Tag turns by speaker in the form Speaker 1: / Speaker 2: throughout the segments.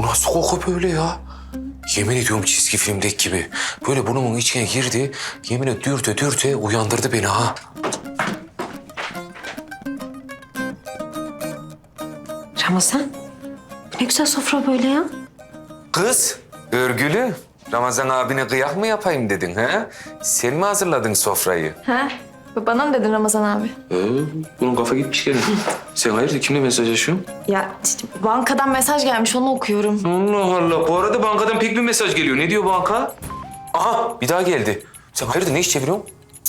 Speaker 1: nasıl koku böyle ya? Yemin ediyorum çizgi filmdeki gibi. Böyle burnumun içine girdi. Yemin et dürte uyandırdı beni ha.
Speaker 2: Ramazan, ne güzel sofra böyle ya.
Speaker 1: Kız, örgülü. Ramazan abine kıyak mı yapayım dedin ha? Sen mi hazırladın sofrayı?
Speaker 3: Ha? Bana mı dedin Ramazan abi?
Speaker 1: Bunun kafa gitmiş gene. Sen hayırdır kimle mesajlaşıyorsun?
Speaker 3: Ya işte bankadan mesaj gelmiş onu okuyorum.
Speaker 1: Allah Allah. Bu arada bankadan pek bir mesaj geliyor. Ne diyor banka? Aha bir daha geldi. Sen hayırdır ne iş çeviriyorsun?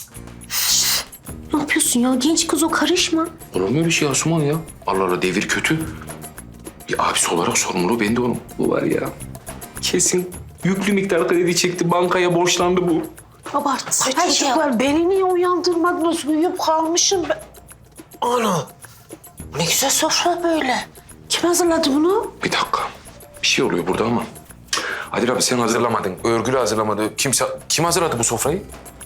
Speaker 2: Ne yapıyorsun ya? Genç kız o, karışma.
Speaker 1: Olur mu öyle şey Asuman ya? Allah Allah devir kötü. Bir abisi olarak sorumluluğu bende onun. Bu var ya. Kesin yüklü miktar kredi çekti. Bankaya borçlandı bu.
Speaker 2: Abartma. Her şey var. Beni niye uyandırmadınız? Uyuyup kalmışım ben. Ana. Ne güzel sofra böyle. Kim hazırladı bunu?
Speaker 1: Bir dakika. Bir şey oluyor burada ama. Adil abi sen hazırlamadın. Örgülü hazırlamadı. Kim hazırladı bu sofrayı?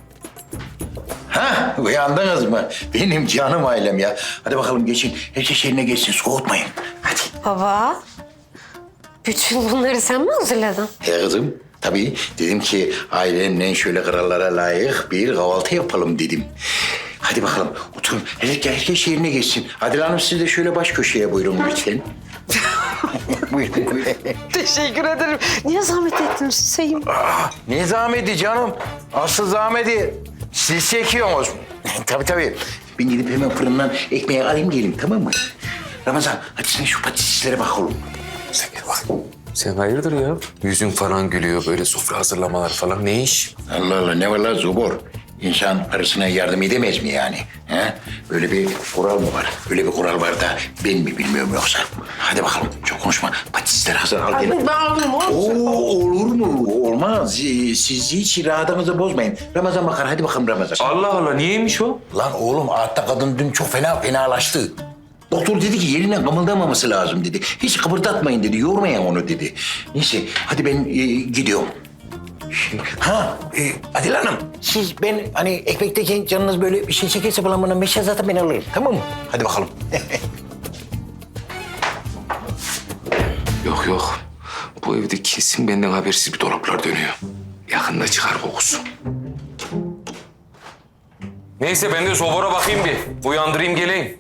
Speaker 4: Ha, uyandınız mı? Benim canım ailem ya. Hadi bakalım geçin. Herkes yerine geçsin. Soğutmayın. Hadi.
Speaker 2: Baba. Bütün bunları sen mi hazırladın?
Speaker 4: He kızım. Tabii dedim ki ailemle şöyle krallara layık bir kahvaltı yapalım dedim. Hadi bakalım oturun. Herkes yerine geçsin. Adil Hanım siz de şöyle baş köşeye buyurun lütfen. Buyurun buyurun.
Speaker 2: Teşekkür ederim. Niye zahmet ettiniz Hüseyin?
Speaker 4: Ne zahmeti canım? Asıl zahmeti siz çekiyorsunuz. Tabii. Ben gidip hemen fırından ekmeği alayım geleyim tamam mı? Ramazan hadi sen şu patateslere bak oğlum.
Speaker 1: Sen gel bak. Sen hayırdır ya? Yüzün falan gülüyor böyle sofra hazırlamalar falan. Ne iş?
Speaker 4: Allah Allah ne var lan zobor? İnsan karısına yardım edemez mi yani? He? Böyle bir kural mı var? Böyle bir kural var da ben mi bilmiyorum yoksa? Hadi bakalım çok konuşma. Patatesler hazır al gel.
Speaker 2: Ben alayım oğlum.
Speaker 4: Olur mu? Olmaz. Siz hiç rahatınızı bozmayın. Ramazan bakar hadi bakalım Ramazan.
Speaker 1: Allah Allah niyeymiş o?
Speaker 4: Lan oğlum altta kadın dün çok fenalaştı. Doktor dedi ki yerinden kımıldamaması lazım dedi. Hiç kıpırdatmayın dedi, yormayın onu dedi. Neyse hadi ben gidiyorum. Adil Hanım, siz ben hani ekmekteki canınız böyle bir şey çekerse falan bana meşe zaten ben alırım tamam mı? Hadi bakalım.
Speaker 1: Yok. Bu evde kesin benden habersiz bir dolaplar dönüyor. Yakında çıkar kokusu. Neyse ben de sobora bakayım bir. Uyandırayım geleyim.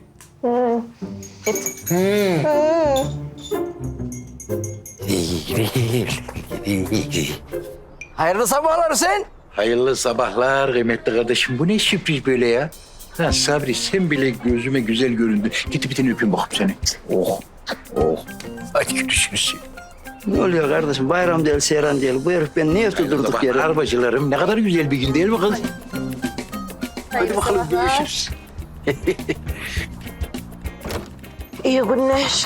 Speaker 5: Hayırlı sabahlar sen.
Speaker 4: Hayırlı sabahlar kıymetli kardeşim. Bu ne sürpriz böyle ya? Ha Sabri sen bile gözüme güzel göründün. Git bir tane öpeyim bakayım seni. Oh. Hadi görüşürüz.
Speaker 5: Ne oluyor kardeşim? Bayram değil, seyran değil. Bu herif beni niye durduk yere?
Speaker 4: Arbacılarım ne kadar güzel bir gün değil mi kız? Hadi bakalım görüşürüz.
Speaker 2: İyi günler.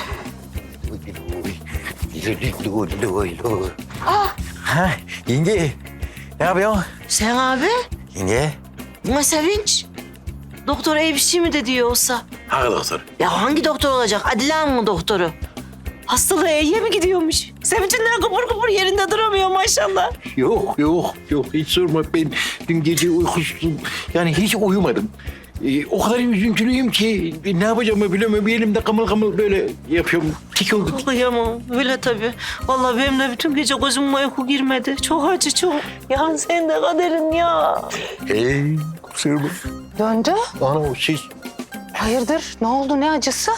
Speaker 4: Ha yenge ne yapıyorsun?
Speaker 2: Sen abi?
Speaker 4: Yenge.
Speaker 2: Ama Sevinç. Doktor iyi bir şey mi dedi yoksa?
Speaker 4: Hangi doktor?
Speaker 2: Ya hangi doktor olacak? Adile Hanım'ın doktoru. Hastalığı iyiye mi gidiyormuş? Sevinç'inden kıpır yerinde duramıyor maşallah.
Speaker 4: Yok hiç sorma ben dün gece uykusuzum yani hiç uyumadım. O kadar üzüntülüyüm ki ne yapacağımı bilemiyorum. Bir elimde kımıl böyle yapıyorum. Tik olduk.
Speaker 2: Kıyamam. Öyle tabii. Vallahi benim de bütün gece gözüme uyku girmedi. Çok acı çok. Ya sen de kaderin ya.
Speaker 4: Kusura bakma.
Speaker 6: Döndü.
Speaker 4: Ana siz...
Speaker 6: Hayırdır? Ne oldu? Ne acısı?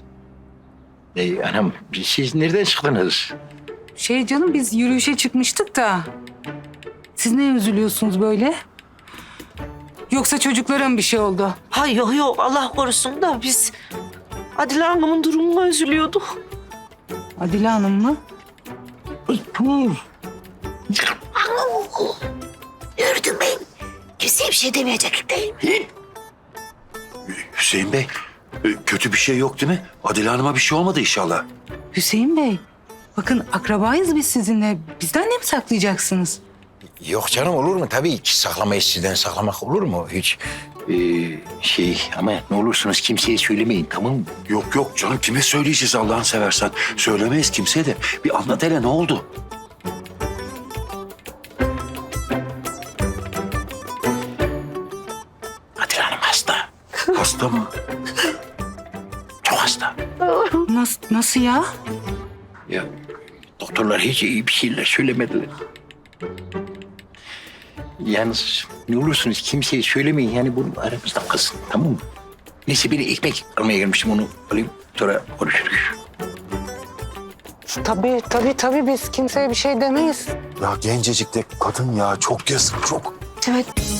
Speaker 4: Anam siz nereden çıktınız?
Speaker 6: Canım biz yürüyüşe çıkmıştık da. Siz ne üzülüyorsunuz böyle? Yoksa çocuklara mı bir şey oldu?
Speaker 2: Hay yok Allah korusun da biz Adile Hanım'ın durumuna üzülüyorduk.
Speaker 6: Adile Hanım mı?
Speaker 2: Gördün mü? Kimseye bir şey demeyecek değil mi?
Speaker 7: Hüseyin Bey, kötü bir şey yok değil mi? Adile Hanım'a bir şey olmadı inşallah.
Speaker 6: Hüseyin Bey, bakın akrabayız biz sizinle. Bizden ne mi saklayacaksınız?
Speaker 4: Yok canım olur mu? Tabii ki saklamayız sizden saklamak olur mu hiç? Ama ne olursunuz kimseye söylemeyin tamam mı?
Speaker 7: Yok canım kime söyleyeceğiz Allah'ını seversen. Söylemeyiz kimseye de. Bir anlat hele ne oldu?
Speaker 4: Adile Hanım hasta.
Speaker 7: Hasta mı?
Speaker 4: Çok hasta.
Speaker 6: Nasıl ya?
Speaker 4: Ya Doktorlar hiç iyi bir şeyler söylemediler. Yalnız ne olursunuz kimseye söylemeyin. Yani bunu aramızda kalsın, tamam mı? Neyse bir ekmek almaya gelmiştim, onu alayım. Sonra konuşuruz.
Speaker 6: Tabii biz kimseye bir şey demeyiz.
Speaker 7: Ya gencecik de kadın ya, çok yazık çok.
Speaker 3: Evet